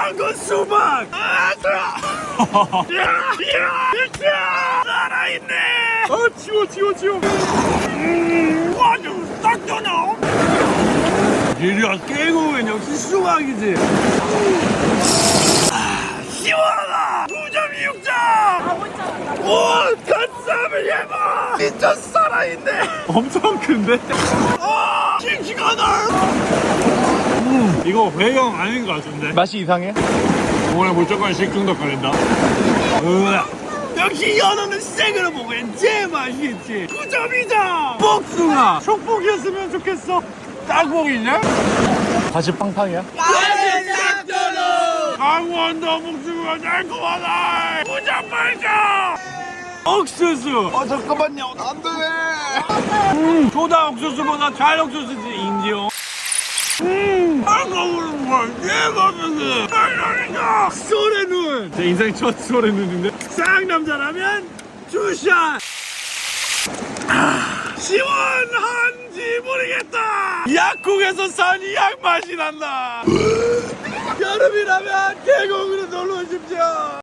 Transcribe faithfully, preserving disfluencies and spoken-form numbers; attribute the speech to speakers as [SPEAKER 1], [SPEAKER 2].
[SPEAKER 1] 그 수박. 아, 야, 야, 야, 살아있네. 아, 치워, 치워, 치워. 음, 아주 딱 떠나. 이리야 깨고면 역시 수박이지. 아, 시원하다. 구 점 이육 점. 오, 간쌈을 해봐. 진짜 살아있네. 엄청 큰데? 아, 싱싱하다. 음, 이거 회형 아닌 것 같은데.
[SPEAKER 2] 맛이 이상해?
[SPEAKER 1] 오늘 무조건 식중독 걸린다. 으아. 역시 연어는 생으로 먹으면 제일 맛있지. 구 점 이 점. 복숭아. 촉복이었으면 좋겠어. 딱복이냐?
[SPEAKER 2] 다시 팡팡이야?
[SPEAKER 1] 강원도 복숭아 달콤하다. 구 점 팔 점. 옥수수. 어 잠깐만요. 안 돼. 음, 소다 옥수수보다 잘 옥수수지 인지요. 음, 아까우는 걸 대박이지. 달달이다. 소래눈. 제 인생 첫 소래눈인데. 쌍남자라면 주샷. 아, 시원한지 모르겠다. 약국에서 산 약 맛이 난다. 여름이라면 계곡으로 놀러 오십시오.